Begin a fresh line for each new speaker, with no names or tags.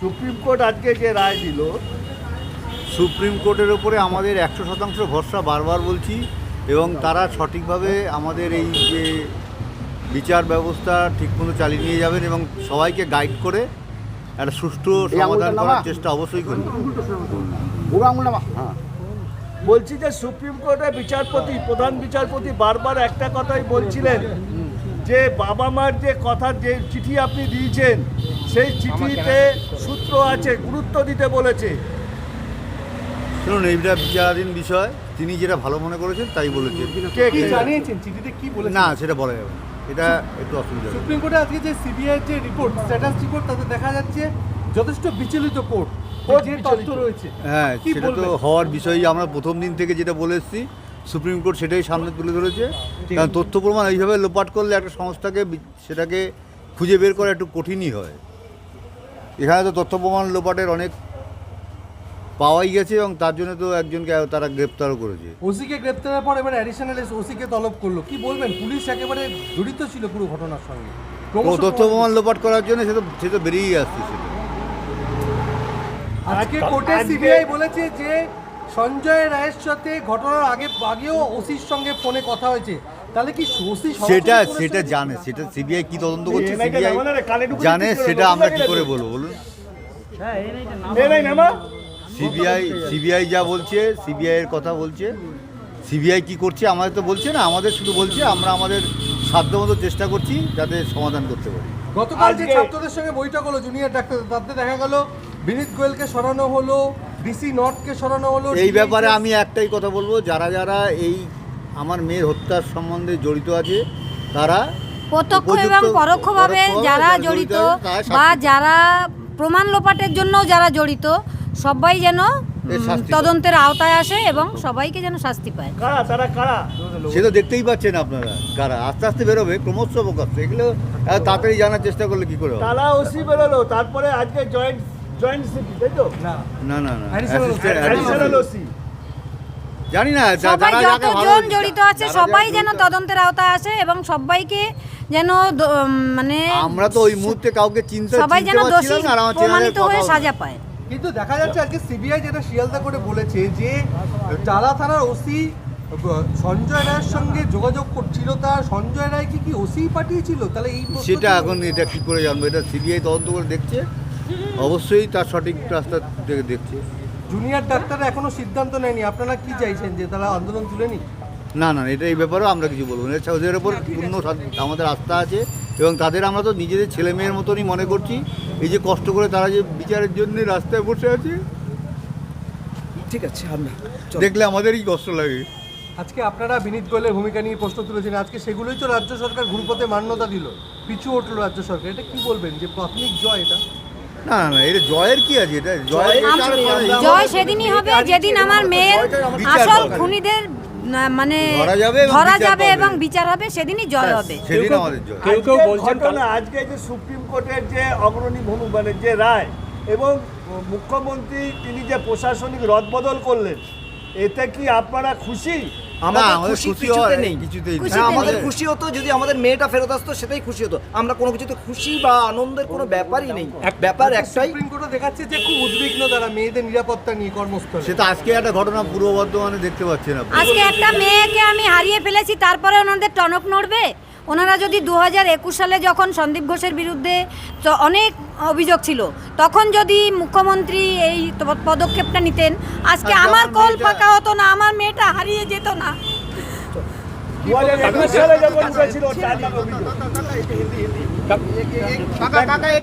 Supreme court আজকে যে রায় দিল,
সুপ্রিম কোর্টের ওপরে আমাদের 100% ভরসা বারবার বলছি, এবং তারা সঠিকভাবে আমাদের এই যে বিচার ব্যবস্থা ঠিকমতো চালিয়ে নিয়ে যাবেন এবং সবাইকে গাইড করে একটা সুষ্ঠু সমাধান করার চেষ্টা অবশ্যই করবেন।
বলছি যে সুপ্রিম কোর্টের বিচারপতি, প্রধান বিচারপতি বারবার একটা কথাই বলছিলেন যে বাবা মার যে কথা, যে চিঠি আপনি দিয়েছেন সেই চিঠিতে সূত্র আছে, গুরুত্ব দিতে বলেছে।
শুনুন, এইটা বিচারাধীন বিষয়, তিনি যেটা ভালো মনে করেছেন তাই বলেছেন।
কি জানিয়েছেন চিঠিতে, কি বলেছেন?
না, সেটা বলা যাবে না, এটা একটু অসুবিধা।
সুপ্রিম কোর্টে আজকে যে সিবিআই যে রিপোর্ট, স্ট্যাটাস রিপোর্ট, তাতে দেখা যাচ্ছে যথেষ্ট বিচলিত কোর্ট, যে তথ্য রয়েছে।
হ্যাঁ,
কি
সেটা তো
বলবেন?
হওয়ার বিষয়ই। আমরা প্রথম দিন থেকে যেটা বলে এসেছি, সুপ্রিম কোর্ট সেটাই সামনে তুলে ধরেছে। কারণ তথ্য প্রমাণ এইভাবে লোপাট করলে একটা সংস্থাকে সেটাকে খুঁজে বের করা একটু কঠিনই হয়। এখানে তো তথ্য প্রমাণ লোপাটের অনেক পাওয়াই গেছে, এবং তার জন্য তো একজনকে তারা গ্রেপ্তারও করেছে।
ওসিকে গ্রেপ্তারের পর এবার অ্যাডিশনাল ওসিকে তলব করলো। কি বলবেন? পুলিশ একেবারে জড়িত ছিল পুরো ঘটনার সঙ্গে।
ও তথ্য প্রমাণ লোপাট করার জন্য সে তো বেরিয়েই আসছে সেটা।
আজকে কোর্টে সিবিআই বলেছে যে সঞ্জয় রায়ের সাথে ঘটনার আগেও ওসির সঙ্গে ফোনে কথা হয়েছে। তাহলে কি ওসি
সেটা জানে, সেটা সিবিআই কি তদন্ত করছে সিবিআই জানে, সেটা আমরা কি করে বলবো বলুন? সিবিআই যা বলছে, সিবিআই এর কথা বলছে। সিবিআই কি করছে আমাদের তো বলছে না, আমাদের শুধু বলছে আমরা আমাদের সাধ্যমতো চেষ্টা করছি যাতে সমাধান করতে পারি।
গতকাল যে ছাত্রদের সঙ্গে বৈঠক হলো জুনিয়র ডাক্তার, তাতে দেখা গেল বিনীত গোয়েলকে সরানো হলো, ডিসি নর্থকে সরানো হলো।
এই ব্যাপারে আমি একটাই কথা বলবো, যারা যারা এই আমার মেয়ের হত্যার সম্বন্ধে জড়িত আছে, তারা
প্রত্যক্ষ এবং পরোক্ষভাবে যারা জড়িত বা যারা প্রমাণ লোপাটের জন্য যারা জড়িত, সবাই যেন তদন্তের আওতায় আসে এবং সবাইকে যেন শাস্তি পায়।
কারা তারা, কারা?
সে তো দেখতেই পাচ্ছেন আপনারা, কারা আস্তে আস্তে বেরোবে, ক্রমশ প্রকাশ। এগুলো তাড়াতাড়ি জানার চেষ্টা করলে কি করে হবে?
তারা ওসি বেরোলো, তারপরে আজকে জয়েন্ট সিপি, তাই তো?
না,
অ্যাডিশনাল ওসি।
জানি না,
সবাই যতজন জড়িত আছে সবাই যেন তদন্তের আওতায় আসে এবং সবাইকে যেন মানে
আমরা তো ওই মুহূর্তে কাউকে
সবাই যেন দোষী প্রমাণিত হয়ে সাজা পায়।
কিন্তু দেখা যাচ্ছে আজকে সিবিআই যেটা শিয়ালদা করে বলেছে যে টালা থানার ওসি সঞ্জয় রায়ের সঙ্গে যোগাযোগ করছিল, তার সঞ্জয় রায় কি ওসি পাঠিয়েছিল? তাহলে এই
সেটা এখন এটা কি করে জানবো? এটা সিবিআই তদন্ত করে দেখছে, অবশ্যই তার সঠিক রাস্তা থেকে দেখছে।
জুনিয়র ডাক্তাররা এখনো সিদ্ধান্ত নেয়নি। আপনারা কি চাইছেন, যে তারা আন্দোলন তুলে নি?
না, এটা এই ব্যাপারেও আমরা কিছু বলবো না। ওদের ওপর পূর্ণ আমাদের আস্থা আছে, এবং তাদের আমরা তো নিজেদের ছেলে মেয়ের মতনই মনে করছি। এই যে কষ্ট করে তারা যে বিচারের জন্য রাস্তায় বসে আছে,
ঠিক আছে,
দেখলে আমাদেরই কষ্ট লাগে।
আজকে আপনারা বিনীত গোয়েলের ভূমিকা নিয়ে প্রশ্ন তুলেছেন, আজকে সেগুলোই তো রাজ্য সরকার ঘুরপথে মান্যতা দিল, পিছু উঠলো রাজ্য সরকার। এটা কি বলবেন, যে প্রাথমিক জয় এটা?
না, এটা জয়ের কি আছে? এটা
জয় সেদিনই হবে যেদিন আমার মেয়ের আসল খুনিদের মানে ধরা যাবে এবং বিচার হবে, সেদিনই জয় হবে।
সেদিন আমাদের জয়।
কেউ বলছেন না আজকে যে সুপ্রিম কোর্টের যে অগ্রণী ভূমি, মানে যে রায়, এবং মুখ্যমন্ত্রী তিনি যে প্রশাসনিক রদবদল করলেন, এতে কি আপনারা খুশি?
আমাদের খুশি কিছুতে নেই। আমাদের
নেই।
খুশি হতো যদি আমাদের মেয়েটা ফেরত আসতো, সেটাই খুশি হতো। আমরা কোনো কিছুতে খুশি বা আনন্দের কোনো ব্যাপারই নেই। ব্যাপার একটাই,
সুপ্রিম কোর্টে দেখাচ্ছে যে খুব উদ্বিগ্ন তারা মেয়েদের নিরাপত্তা নিয়ে কর্মস্থলে।
সেটা আজকে একটা ঘটনা পূর্ব বর্ধমানে দেখতে পাচ্ছেন আপনি।
আজকে একটা মেয়েকে আমি হারিয়ে ফেলেছি, তারপরে ওনাদের টনক নড়বে? ওনারা যদি 2021 সালে যখন সন্দীপ ঘোষের বিরুদ্ধে অনেক অভিযোগ ছিল, তখন যদি মুখ্যমন্ত্রী এই পদক্ষেপটা নিতেন, আজকে আমার কোল ফাঁকা হতো না, আমার মেয়েটা হারিয়ে যেত না।
2021 সালে যখন উঠেছিল